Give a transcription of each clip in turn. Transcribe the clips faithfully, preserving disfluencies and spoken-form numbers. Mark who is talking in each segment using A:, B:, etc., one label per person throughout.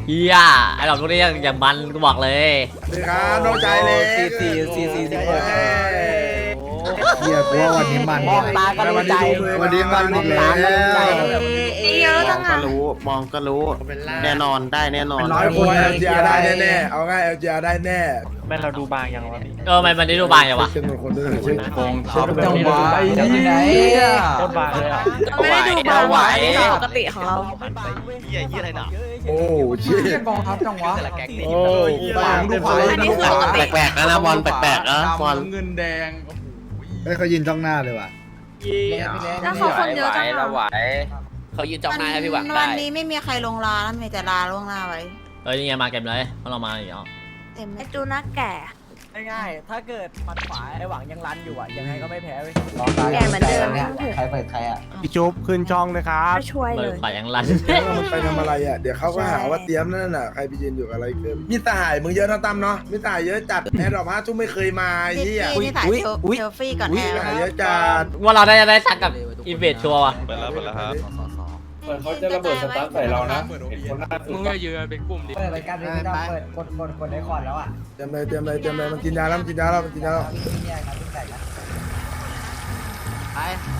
A: เฮียไอ้ดอกพวกนี้ยังยังมันกูบอกเลย
B: สวัสดีครับน้องใจเลย
C: สี่สี่สี่สี่สิบหก
D: เฮียกูว่าวันนี้มัน
C: มองตาก็รู้ใจ
D: วันนี้มันอีกแล้ว
E: เยอะจัง
F: ก็
E: อ่ะ
F: รู้มองก็รู้แน่นอนได้แน่นอน
B: ร้อยคน เอล จี อาร์ ได้แน่ๆเอาง่าย แอล จี อาร์ ได้แน่
G: แม่เราดูบางยังวะพี่
A: เออมันมันได้ดูบางอย่างวะ
B: เช่นคนด้วยเช่น
G: โกง
D: ช็อปจังหวะไอ้ที่ไหน
G: โคตรบางเลยอ่ะ
E: ไม่ได้ดูบางหวานปกติของเรา
B: โอ้ชิ
D: กองทัพจังหวะ
B: โอ้บางดูไป
E: อันนี้คือปกติ
F: แปลกๆนะนะบอลแปลกๆนะบอล
D: เงินแดงเฮ้ยเขายินจ้องหน้าเลยว่ะ
E: แล้วเขาคนเยอะจังอ่ะ
C: เขายืนจ้องหน้าให้พี่หวังได้
E: วันนี้ไม่มีใครลงลาแล้วมีแต่ลาล่วงหน้าไว้
A: เอ้ยนี่ไงมาเก็บเลยพวกเรามาอีกแล้ว
E: เต็มไอจูน่าแก่
C: ง่ายๆถ้าเกิดมันขวาไอ้หวังยังรันอยู่อ่ะยังไงก็ไม่แพ้เว้ย
E: แก่เหมือนเดิม
D: ใครเปิดใครอ่ะ
G: พี่จุ๊บขึ้นช่องเลยครับ
E: ไม่ช่วย
A: เปิ
E: เล
A: ด
E: ย
A: ฝ่ายยังรัน
B: มันไปทำอะไรอ่ะเดี๋ยวเขาก็หาว่าเตรียมนั่นน่ะใครไปยืนอยู่กับอะไรเกินมีสหายมึงเยอะนะตั้มเนาะมีสหายเยอะจัดแอร์ดรอปห้าทุ่มไม่เคยมาไอ้
E: นี่
B: เหี้ย
E: นี่ถ่ายเซลฟี่ก่อนแอ
B: สหาย
E: ร์
B: เยอะจัด
A: ว่าเราได้จะได้สักกับอีเวนต์ชัวร์ว่ะ
H: เปิดแล้วเปิดแล้วครับ
E: เหมือนเขาจะระเบิดสตาร์ทใส่เรานะ
G: มึงก็ยืนเป็นกลุ่มดิ
C: เปิดรายการนี้ไม่ต้องเปิดกดกดกดไอคอนแล้วอ่ะ
B: เตรียมเลยเตรียมเลยเตรียมเลยมันกินยาแล้วมันกินยาแล้วมันกินยาแล้ว
C: นี่เนี่ยครับพี่แตกนะไป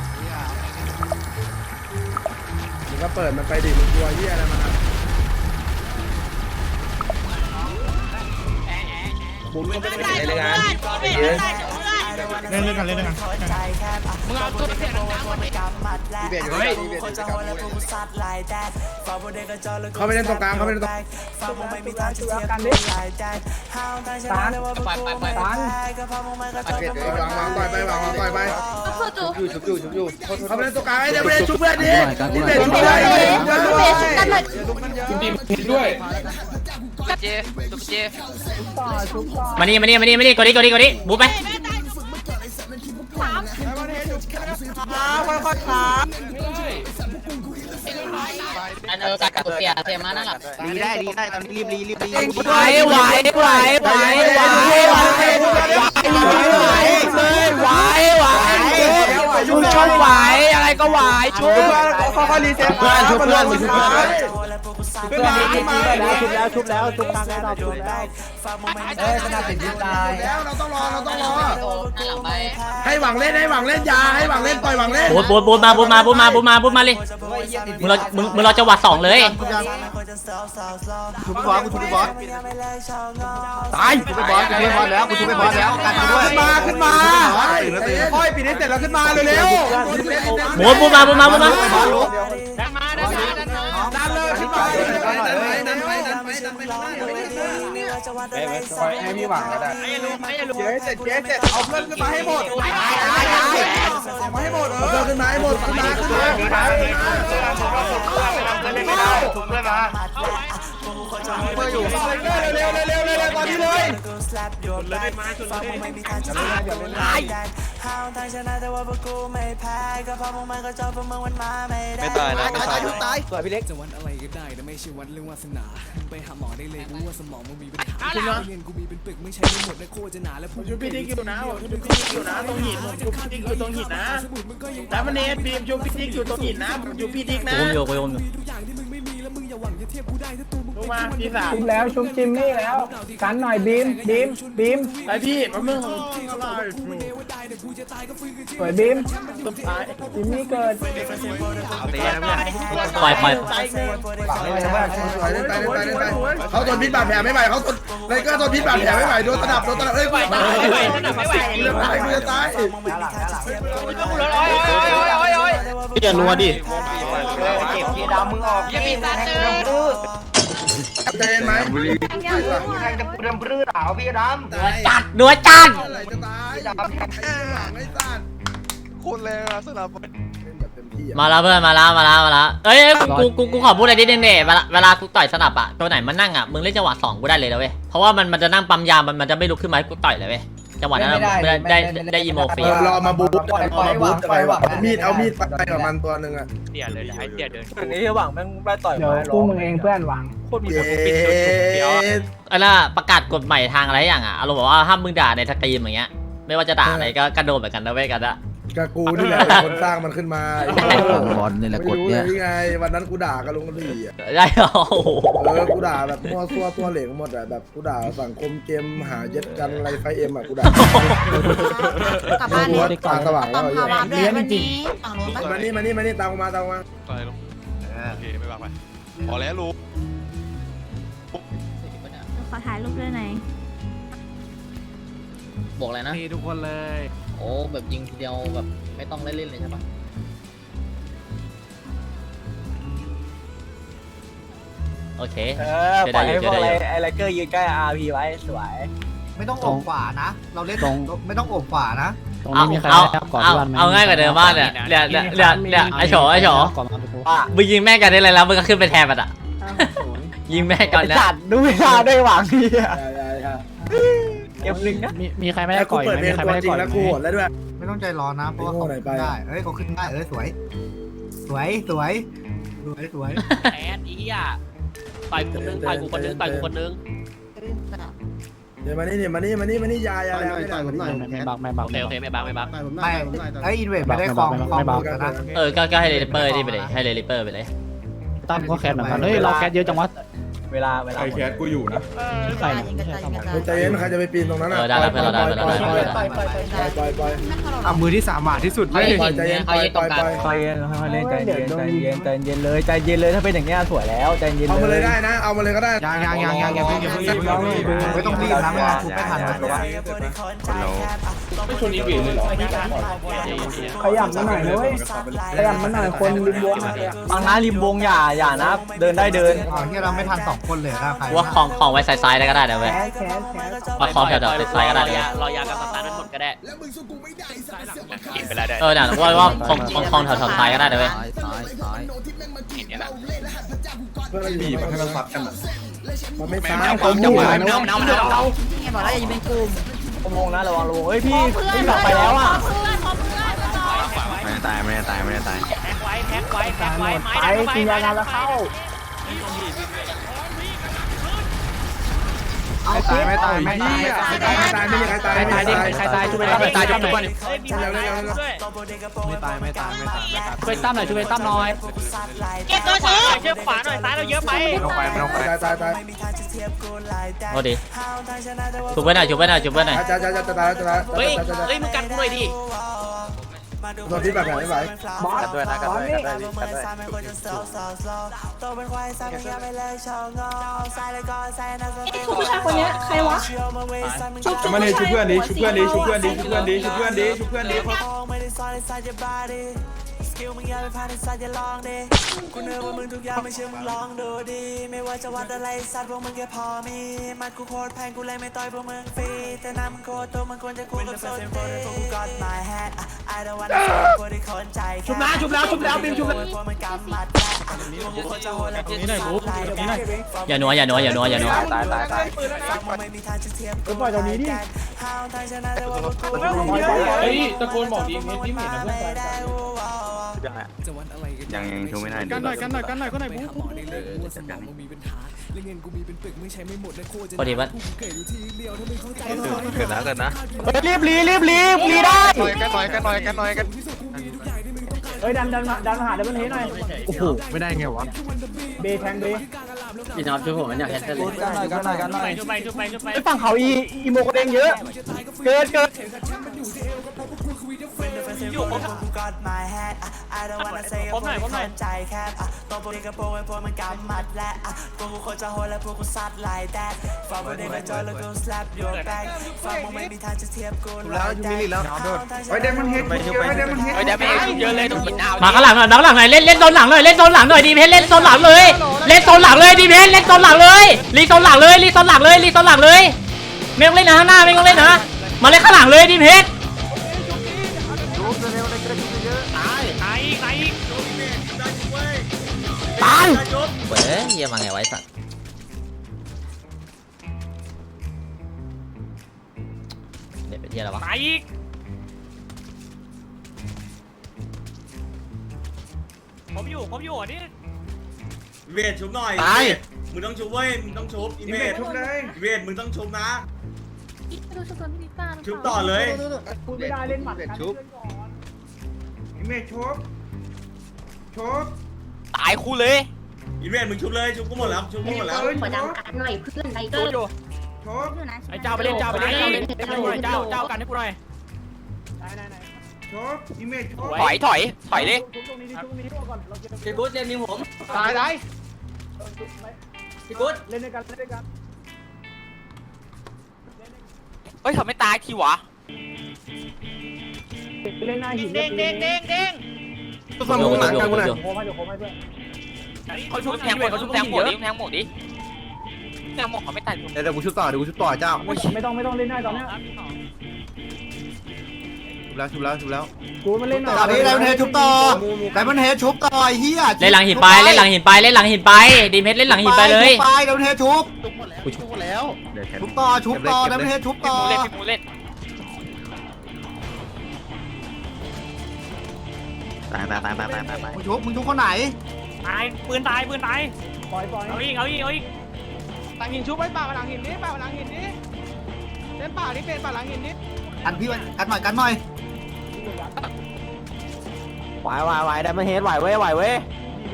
B: มึงก็เปิดมันไปดิมึงกลัวเหี้ยอะไรมันอ่ะบุ้มก็ไม่ได้เป็นอะไรเลยงาน
G: เล่นเล่นกันเล่นกัน
C: มึงเอาตัวเสียงดังมาดิ
B: เบียดอยู่เลยเขาไม่เล่นตรงกลางเขาไม่เล่นตรงกลาง
C: กันดิตานไปไปไปตาน
B: วางวางต่อยไปวางวางต่อยไป
E: ก็คือจู
B: อยู่ชุบอยู่ชุบอยู่เขาไม่เล่นตรงกลางไอ้เดี๋ยวไม่ได้ชุบเพื่อนดินี่เบียดชุบ
E: เบ
B: เลย
E: สเบสกันเลย
C: เจซุปเจ
A: มานี่มานี่มานี่มานี่กดดิกดดิกดดิบุ๊บไปอันเออการกดเสียเสียมานั่นแหละ
F: รีได้รีได้ตอนนี้รีบรีรีบรี
C: ไหวไหวไหวไหวไหวไหวไหวไหวชุบช่องไหวอะไรก็ไหวชุบค่อยๆรีเซ็ต
F: เพื่อนชุบเพื่อนมาชุบเพื่อน
C: เพื่อนนี้ชุบแล้วชุบแล้วชุบแล้วชุบทางได้ชุบแล้วเอ้ยขนาดติดยิงตาย
B: แล้วเราต้องรอเราต้องรอ
A: หน้าหลังไป
B: ให้หวังเล่นให้หวังเล่นยาให้หวังเล่นปล่อยหวังเล่น
A: บูดบูดบูดมาบูดมาบูดมาบูดมาบูดมาเลยมึงเรามึงมึงเราจังหวัดสองเลย
F: ชุบไปบอสกูชุบไปบอสตายชุบไปบอสชุบไปบอสแล้วกูชุบไปบอสแล้วกันด้วย
B: ขึ้นมาขึ้นมาค่อยปิดให้เสร็จแล้วขึ้นมาเร็ว
A: บูดบูดมาบูดมาบูดมา
C: ดังมาดังมาดังมา
B: ๆดันเลยขึ้นมาดันไปดันไปดันไปดันไปดันไปให้พี่หวังก็ได้เจ๊เสร็จเจ๊เสร็จเอาเพื่อนขึ้นมาให้หมดเอามาให้หมดเออขึ้นมาให้หมดขึ้นมาขึ้นมาขึ้นมาเปิดอยู่เร็วเร็วเร็วเร็วเร็วตอนนี้เลย
H: ไม่ตายนะไม่ตายนะ
C: สวยพี่เล็ก
I: จะวันอะไรก็ได้แต่ไม่ใช่วันเรื่องวาสนาไปหาหมอได้เลยกูว่าสมองมึงมีปัญหาเงินกูมีเป็นปึกไม่ใช่ทั้งหมดและโคจะหนาและผม
G: ชุบพี่ดิ๊กอยู่นะชุบพี่ดิ๊กอยู่นะตรงหินชุบพี่ดิ๊กอยู่ตรงหินนะแล้วมันเนสบีมชุบพี่ดิ๊กอยู่ตรงหินนะอยู่พี่ดิ๊กนะ
A: กูโยกกูโยกอยู่
I: ทุกอย่างที่มึงไม่มีแล้วมึงอย่าหวังจะเทียบกูได้ถ้าตัวมึง
G: ลงมาพี่สาม
C: ชุบแล้วชุบจิมมี่แล้วกันหน่อยบีมบีมบีม
G: ไอพี่มันมึง
C: สวยบีม
G: สุดท้าย
C: จิมมี่เกิด
A: ปล่อยปล่อย
B: เล่นไปเล่นไปเล่นไปเขาทนพิษบาดแผลไม่ไหวเขาทนไรก็ทนพิษบาดแผลไม่ไหวโดนตะดับโดนตะดับเอ้ยกูตายกูจะตายกูจะตาย
F: พี่อย่านัวดิ
C: เก็บพี่ดำมึงออกพี่ปีศาจเจอ
B: ใจเย็นไหม
C: เริ่มปลื้อหนาวพี่ดำ
A: จัดนัวจัด
B: อะไรจะตายไอ้หวังไอ้สัตว์
H: โคตรแรงอะสนับ
B: เล่นแบบเต็มที่
A: มาแล้วเพื่อนมาแล้วมาแล้วมาแล้วเอ้ยกูกูกูขอพูดอะไรนิดนึงเนี่ยเวลาเวลากูต่อยสนับอะตัวไหนมันนั่งอะมึงเล่นจังหวะสองกูได้เลยนะเว้ยเพราะว่ามันมันจะนั่งปั๊มยามันมันจะไม่ลุกขึ้นมาให้กูต่อยเลยเว้ยจังหวะนั้นได้ได้ได้อีโมฟรี
B: รอมาบูทรอมาบูทไปว่ะมีดเอามีดไปกับมันตัวหนึ่งอ่ะ
G: เดี๋ยวเลยให้เดี๋ยวเดิน
C: อันนี้หวังแม่งได้ต่อยมาคู่มึงเองเพื่อนหวัง
G: โคตรมี
B: เย้
G: คนปิดโดนเดี๋ยว
A: อันน่ะประกาศกฎใหม่ทางอะไรอย่างอะอารมณ์บอกว่าห้ามมึงด่าในสตรีมอย่างเงี้ยไม่ว่าจะด่าอะไรก็กระโดดเหมือนกันนะเว้ยกันอะ
B: กับกูนี่แหละเป็นคนสร้างมันขึ้นมา
C: บอลนี่แหละกด
B: ไม่รู้
C: เนี่ย
B: เลยไงวันนั้นกูด่ากับลุงกระบี่อ่ะ
A: ได้เหรอ
B: เออกูด่าแบบมั่วซั่วตัวเหลงหมดอ่ะแบบกูด่าสังคมเกมหาเย็ดกันอะไรไฟเอ็มอ่ะกูด่าก
E: ลับบ้าน
B: กู
E: เลย
B: ว่าตาสว่าง
E: ต้
B: แล้
E: อ
B: ว
E: ง
B: ไอ้
E: พา
B: เหี้ย
E: วามด้วยวันนี้ฝั่งโน้นปะ
B: มานี่มานี่มานี่ตามกูมาตามกูมา
H: ไปลุงโอเคไม่บ้าไปพอแล้วลุง
E: ขอถ่ายรูปด้วยหน่อย
C: บอกอะไรนะ
D: มีทุกคนเลย
C: โอ้แบบยิงทีเดียวแบบไม่ต้องเล่นๆเลยใช่ปะ
A: โอเค
D: เออปล่อยให้พวกอะไรไอ้ไลเกอร์ยืนใกล้ อาร์ พี ไว้สวย
F: ไม่ต้องโอบขวานะ เราเล่นไม่ต้องโอบขวานะ
A: เอาเอาเอาเอาง่ายกว่าเดิมมากเนี่ยเนี่ยเนี่ยเนี่ยเนี่ยไอโฉไอโฉ
D: ว่า
A: มึงยิงแม่กันได้เลยแล้วมึงก็ขึ้นไปแทนมันอ่ะยิงแม่กันนะ
D: จัดดูเวลาได้หวังดีอะ
B: ใช่ใช่ใช่
D: เก็บหนึ่งนะ
C: มีมีใครไม่
B: แล้
C: ได้
B: ว
C: ก่
B: กู
C: อย
B: เปิด
C: ไห
B: เพ
C: ม
B: ล
C: มี
B: ง
C: ใคร
B: ตัว
C: ไม่ได้
B: จริ
C: ก่
B: ง
C: อย
B: แล้ว
C: ไห
B: กู
C: ม
B: โหดแล้วด้วย
F: ไม่ต้องใจร้อนนะเพราะว่า
B: โง่
F: เขา
B: หน่อยไป
F: ขึ้นได้เอ้ยเขาขึ้นได้เอ้ยสวย สวยสวยสวยสวย
C: แอดอีอ่ะต่อยคนนึงต่อยกูคนนึงต่อยกูคนนึง
B: เดี๋ยวมานี่เนี่ยมานี่มานี่มานี่ยายาแล้ว
F: ต่อยผมหน่อย
C: ไม่บักไม่บักโอเคโอเคไม่บักไม่บัก
F: ไม่ไอ้อินเวสไม่ได้คลองคลองมือกันนะ
A: เออก็ก็ให้เลลิเปอร์นี่ไปเลยให้เลลิเปอร์ไปเลย
C: ตั้มก็แคสเหมือนกันเฮ้ยเราแคสเยอะจังวะ
D: เวลาเวลา
E: ใครแคสกูอยู่นะ
C: ใส่
E: ยิงกันตายยิงกันตาย
B: เฮ้ยใจเย็นใครจะไปปีนตรงนั้นอ่ะ
A: เออได้แล้วเพื่อนเราได้เพื่อนเราได้เพื่อนเราได้
B: ปล่อยปล่อยปล่อย
F: อ่ะมือที่สามบาทที่สุด
A: เฮ้ย
B: ปล่อยใจเย็นปล่อยปล่อยปล่อย
D: ค่อยๆค่อยๆเล่นใจเย็นใจเย็นใจเย็นเลยใจเย็นเลยถ้าเป็นอย่างเงี้ยสวยแล้วใจเย็น
B: เอามา
D: เล
B: เลย ยได้นะ เอามาเลยก็ได้
F: ยังยังยังยังยังเพิ่งยังเพิ่งยังเพิ่งไม่ต้องรีบนะไม่งั้นทุบไม่ทันนะ
E: ไม่ชวนอีกเลยเหรอ
D: ขยับมาหน่อยนะเว้ยขยับมาหน่อยคนริมวงบางนะริมวงอย่าอย่านะเดินได้เดิน
F: อ๋อที่เราไม่ทันสองคนเลยครับใคร
A: ว่าของของไว้ซ้ายๆได้ก็ได้นะเว้ยว่าของแถวๆซ้ายๆก็ได้เลย
C: รอยากับสตาร์นั้นหมดก็ได้
H: กินไปแล้วได้
A: เออเนี่ยว่าว่าของของของแถวๆซ้ายก็ได้นะเว้ย
C: ซ้ายซ้ายซ้าย
B: เพื่อนเราอยู่มันให้เราซัดกันมันไม่ซ้า
H: แม
B: ยว
H: จังหวะแมวแมวแมว
E: นี่ไงบอกแล้วอย่ายิงเป็นกลุ่ม
D: วงนะระวังระวังเฮ้ยพี่พี่หลับไปแล้วอ่ะ
E: เพื่อนพอเพื่อน
H: ไม่ได้ตายไม่ได้ตายไม่ได้ตาย
C: แท็กไว้แท็กไว้แท็กไว้ไม้
D: ไปกินยาแล้วเข้า
F: ไม่ตายไม่ตายไม่ตาย
B: ไม่ตายไม่ตายไม่มีใครตาย
C: ใครตายดิใครตายช่วยไปตั้มหน่อย
H: ตายจบทุกคน
C: เฮ้ยมีใครตายด้วย
F: ไม่ตายไม่ตายไม่ตาย
C: ช่วยตั้มหน่อยช่วยตั้มหน่อย
E: เก็บตัวชื้อ
C: เชือกขวาหน่อยซ้ายเราเยอะไป
F: ไม่ต้องไปไม่ต้องไป
B: ตายตายตาย
A: โอ้ดีจุบไว้หน่อยจุบไว้หน่อยจุบไว้หน่อย
B: จะจะจะจะตายจะตาย
C: เฮ้ยเฮ้ยมึงกันกูหน่อยดิ
B: โดนที่แบบไหนไม่ไหว
D: กันด้วยนะกันด้วยกันด้วยกันด้วย
E: ผู้ชายคนนี้ใครวะชุบ
G: มาเลยชุบเพื่อนดิชุบเพื่อนดิชุบเพื่อนดิชุบเพื่อนดิชุบเพื่อนดิชุบเพื่อนดิ
J: สกิลมึงอย่าไปพลาดในสัตว์อย่าลองดิกูเนื้อว่ามึงทุกอย่างไม่เชื่อมึงลองดูดิไม่ว่าจะวัดอะไรสัตว์พวกมึงแค่พอมีมัดกูโคตรแพงกูเลยไม่ต่อยพวกมึงฟรีแต่น้ำมึงโคตรตัวมึงควรจะคู่กับโซนตีพวกกูกอด my head I don't wanna fall กูได้คนใจแค่
G: ชุบนะชุบแล้วชุบแล้วบิมชุบแล้ว
J: พวกมึงกำมัดแหละพวกกูโคตรจะโหดและกูจะสัตว์ลายแก
A: อย่านัวอย่านัวอย่านัวอย่านัว
D: ตายตายตาย
J: ฟังมึงไม่มีทางจะเทียบกู
D: ปล่อยตรงนี้ดิ
J: ห้าวทางชนะแต่ว่าพวกกู
E: เฮ้ยตะโกนบอกดีเพชรที่เห็นนะเพื่อน
H: ยังยังชูไม่ได้
D: กันหน่อยกันหน่อยกันหน่อยกันหน่อย
I: ไปหาหมอได้เลยว่าสมองมันมีปัญหาและเงินกูมีเป็นปึกไม่ใช้ไม่หมดและโคตรจะ
A: พอดีว่า
I: เกิดอยู่ที่เดียวถ้าไม่เข้าใจ
H: เกิดนะเกิดนะ
D: รีบรีรีบรีบรีได้
H: หน่อยกันหน่อยกันหน่อยกันหน่อยกัน
D: เฮ้ยดันดันดันมาหาดันมันเฮหน่อยโอ้โห
F: ไม่ได้ไงวะ
D: เบแทงเบ
C: พี่น้องช่วยผมมันอยากแคนเซิล
D: กันหน่อยกันหน่อยกันหน่อย
C: ช่วยไปช่วยไปช่วยไป
D: ไอ้ฝั่งเขาอีอีโมกระเด้งเยอะเกินเกิน
J: อยู่ผมกูกอด my head I don't wanna say พวกมึงคนใจแคบตัวพวกนี้กระโปรงไอ้พวกมันกำมัดและพวกกูโคตรจะโหดและพวกกูซัดลายแดดฟังพวกนี้กระจอยแล้วกู slap your back ฟังมึงไม่มีทางจะเทียบกู
F: แล้วยูมิลิแล้ว
B: ไว้เดมอนเฮดไว้เดมอนเฮด
C: เฮ้ยเดี๋ยวไปเยอะเลยต้องกินดาว
A: มาข้างหลังหน่อยมาข้างหลังหน่อยเล่นเล่นโซนหลังหน่อยเล่นโซนหลังหน่อยดีเพชรเล่นโซนหลังเลยเล่นโซนหลังเลยดีเพชรเล่นโซนหลังเลยรีโซนหลังเลยรีโซนหลังเลยรีโซนหลังเลยไม่ต้องเล่นนะข้างหน้าไม่ต้องเล่นนะมาเล่นข้างหลังเลยดีเพชร
C: ตายตายตาย
A: ตายเว้ยเยี่ยมาไงไว้สัตว์เด็ดไปเที่ยวแล้ววะ
C: ตายอีกผมอยู่ผมอยู่นี่
G: เวทชุบหน่อย
H: ตาย
G: มึงต้องชุบเว้ยมึงต้องชุบอีเวท
B: ทุบเลย
G: เวทมึงต้องชุบนะ
E: ดูชุบตัวพี่ป้า
G: ชุบต่อเลย
D: พูดไม่ได้เล่นหมัดกัน
H: ชุบ
B: เมฆชกชก
C: ตายคู่เลย
G: อีเวนมึงชุบเลยชุบกูหมดแล้วชุบกูหมดแล้ว
E: ขอดำกันหน่อยเพื่อนไทเกอร์
B: ชก
C: ไอ้เจ้าไปเล่นเจ้าไปเล่นเจ้าเล่นเจ้าเจ้ากันให้กูหน่อย
B: ชกอีเมฆชก
C: ถอยถอยถอยเลย
D: พี่กู๊ดเล่นนิ้วผม
C: ตายตาย
D: พี่กู๊ดเล่นด้วยกันเล่นด้วยกัน
C: เฮ้ยทำไม่ตายทีวะ
D: เล่นหน้าหิน
C: เด้งเด้งเด้งเด้ง
A: โยกโยกโยกโยก
D: โค้งให้โค้งให้เพื่อน
C: เขาชุบแทงหมดเขาชุบแทงหมดดิแทงหมดดิแทงหมดเขาไม่ตาย
F: เดี๋ยวกูชุบต่อเดี๋ยวกูชุบต่อเจ้า
D: ไม่ต้องไม่ต้องเล่นหน้าตอนนี้
F: ชุบแล้วชุบแล้วชุบแล้ว
D: กูมาเล่นหน่อย
F: ต่อพี่ไดมอนเฮดชุบต่อไดมอนเฮดชุบต่อไอ้เหี้ย
A: เล่นหลังหินไปเล่นหลังหินไปเล่นหลังหินไปดีเพชรเล่นหลังหินไปเลย
F: ไปไดมอนเฮดชุบชุบหมดแล้วชุบต่อชุบต่อไดมอนเฮดชุบ
C: พี่
F: ต่อ
C: มูเล่นพี่มูเล่น
F: ตายตายตายตายตายตายมึงชุบมึงชุบคนไหน
C: ตายปืนตายปืนตาย
D: ปล่อยปล่อย
C: เอาอีกเอาอีกเอาอีก
B: หลังหินชุบไปป่าหลังหินนี้ป่าหลังหินนี้เล่นป่านี่เป็นป่าหลังหินนี้
F: กันพี่กันหน่อยกันหน่อย
D: ไหวไหวไหวได้มาเฮดไหวเว้ยไหวเว้ย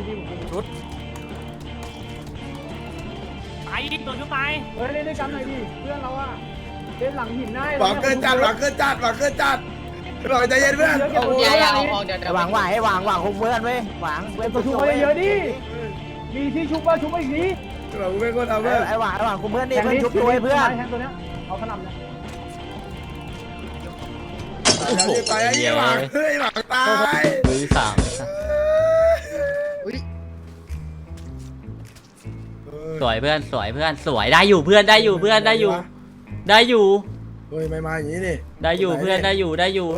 C: ตายอีกตัวชุบตาย
D: เฮ้ยเล่นด้วยกันหน่อยดิเพื่อนเราอะเล่นหลังหินได้
B: หวังเกินจัดหวังเกินจัดหวังเกินจัดหวังใจเย็นเพื่อนโอ้โห
D: หวังไหวหวังหวังคงเพื่อนเว้ยหวังเว้ยตัวชุบไปเยอะดิมีที่ชุบว่าชุบไปอีกที
B: หวังเป็นคนเอาเพื่อน
D: ไอ้หวังไอ้หวังคงเพื่อนดิเพื่อนชุบตัวเพื่อนแทงตัวเนี้ยเอาขนำเนี่ย
B: ตายไอ้หวังเฮ้ยหวังตาย
A: มือสามสวยเพื่อนสวยเพื่อนสวยได้อยู่เพื่อนได้อยู่เพื่อนได้อยู่ ได้อยู่
B: เฮ้ยไม่มาอย่างนี้นี่
A: ได้อยู่เพื่อนได้อยู่ได้อยู่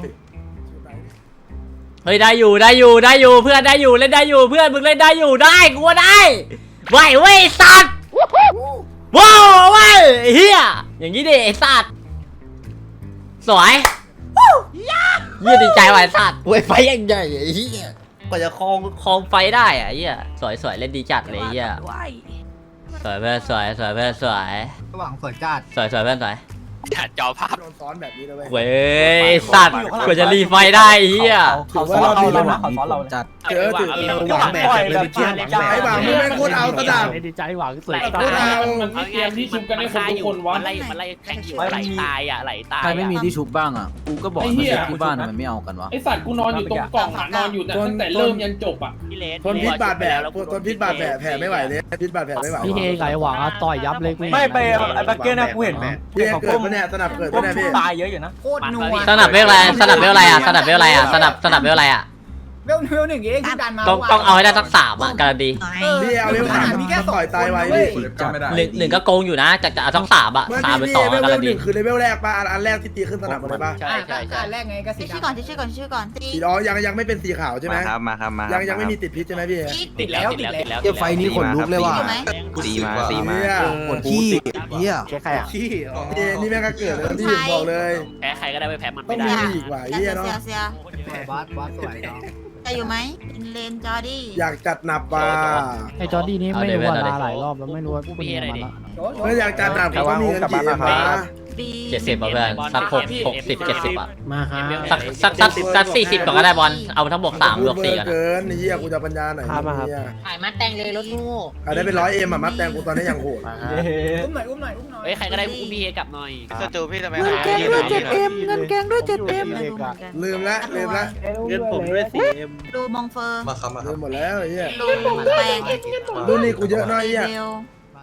A: เฮ้ยได้อยู่ได้อยู่ได้อยู่เพื่อนได้อยู่เล่นได้อยู่เพื่อนมึงเล่นได้อยู่ได้กูว่าได้ไหวเว้ยสัตว์ว้าวเว้ยเฮียอย่างนี้ดิไอ้สัตว์สวยยืดดีใจว่ะไอ้สัตว์เว้ยไฟยังใหญ่ไอ้เฮียกว่าจะคลองคลองไฟได้อะเฮียสวยสวยเล่นดีจัดเลยเฮียสวยเพื่อนสวยสวยเพื่อนสวย
F: ระหว่างสวยจัด
A: สวยสวยเพื่อนสวย
C: จอภาพ
B: โดนซ้อนแบบนี้เลย
A: เว้ยสัตว์กว่าจะรีไฟได้เฮีย
D: เขาซ้อนเราเลยนะเขาซ้อนเราจัด
B: เจอถือหวังแบบเลยไปเที่ยวไอ้หวังมึงเป็นคนเอาสนาม
D: ดีใจหวังสวย
B: คนเอา
E: มันไม่เตรียมที่ชุบกันให้คนทุกคนวะ
C: มันไล่มันไล่แข่งอยู่ไหลตายอ่ะไหลตาย
D: ใครไม่มีที่ชุบบ้างอ่ะกูก็บอกไม่ใช่ที่บ้านมันไม่เอากันวะ
E: ไอสัตว์กูนอนอยู่ตรงกล่องอะนอนอยู่ตั้งแต่เริ่มยันจบอ่ะ
C: พี่เลส
B: ทนพิษบาดแผลทนพิษบาดแผลแผลไม่ไหวเลยพิษบาดแผลไม่ไหว
D: พี่เฮไก่หวังต่อยยับเลยกูไม่ไปไอ้บักเก็ตนะกูเห็น
B: พี่เกิดปะเนี่ยสนับเกิดปะเนี่ยพี่
D: ตายเยอะอยู่นะ
F: โคตรนัว
A: สนับเวลอะไรสนับเวลอะไรอ่ะสนับเวลอะไรอ่ะสนับสนับเวลอะไรอ่ะ
F: เวลเวลหนึ่งเองที่ดันมา
A: ต้องต้องเอาให้ได้สักสามอ่ะการันตี
B: พี่เอาเรื่องถามพี่แค่ต่อยตายไว้พี่
A: หนึ่งหนึ่งก็โกงอยู่นะจะจะเอาสักสามอ่ะ
B: เมื่อ
A: สามหรือ
B: พี่
A: สอง
B: เลเว
A: การั
B: ล
A: น
B: ห
A: ตี
B: นึ่งคือเลเวลแรกป่ะอันแรกที่ตีขึ้นสนับอะไรป่ะ
C: ใช่ใช่ใช่
F: แรกไงก็สี
E: ชื่อก่อนชื่อก่อนชื่อก่อนตี
B: สีอ๋อยังยังไม่เป็นสีขาวใช่ไหม
H: ครับมาครับมา
B: ยังยังไม่มีติดพิษใช่ไหมพี่
C: ติดแล้วติดแล้วติดแล้ว
F: เจ้าไฟนี้ขนลุกเลยว่ะ
H: ตีมาตีมา
B: เนี่ย
F: ขนขี้เหี้ย
D: แค่ใครอ่ะ
B: ขี้นี่นี่แม่งก็เกิดแล้วพี่บอกเลย
C: แพ้ใครก็ได้ไปแพ้มัน
B: ต้อ
C: ไม่
B: ง
C: ได้
B: มีอีกว่ะเฮียเนาะ
E: เสีย
F: บาสบาสสวยเนาะ
E: จะอยู่ไหมเลนจอดี้
B: อยากจัดหนับป่ะ
D: ไอ้จอร์ดี้นี่ไม่รู้ว่าลาหลายรอบแล้วไม่รู้ว่าเป็นยังไงละ
B: เมื่ออยากจัดหนับเขาก็มีเงินกี่เอ็มนะ
E: บี
A: เจ็ดสิบอ่ะเพื่อนสักหกหกสิบเจ็ดสิบอ่ะ
D: มาฮะ
A: สักสักสักสักสี่สิบก่อนก็ได้บอลเอาทั้งบวกสามบวกสี่ก่อน
B: เกินเฮียกูจะปัญญาไหนเนี่ย
E: ถ่ายมาแต่งเลยรถงู
B: อ่ะได้เป็นร้อยเอ็มอ่ะมัดแตงกูตอนนี้ยังโหด
F: อุ้มหน่อยอุ้มหน่อยอุ้มหน่อย
C: เฮ้ยใครก็ได้อุ้มพี่เอกลับหน่อย
H: สตูพี่ทำไม
E: เงินแกงด้วยเจ็ดเอ็มเงินแกงด้วยเจ็ดเอ็ม
B: ลืมละลืมละ
D: เงินผมด้วยสิ
E: ดูมองเฟอร์
H: มาครับมาค
B: ลื
H: รับ
B: มหมดแล้วเฮีย
E: ดูแปลง
B: ดูนี่กูเยอะน้อยเฮีย
E: เร็ว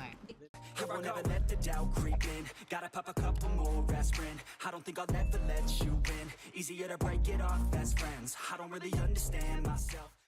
I: I will never let the doubt creep in. Gotta pop a couple more aspirin. I don't think I'll ever let you in. Easier to break it off best friends. I don't really understand myself.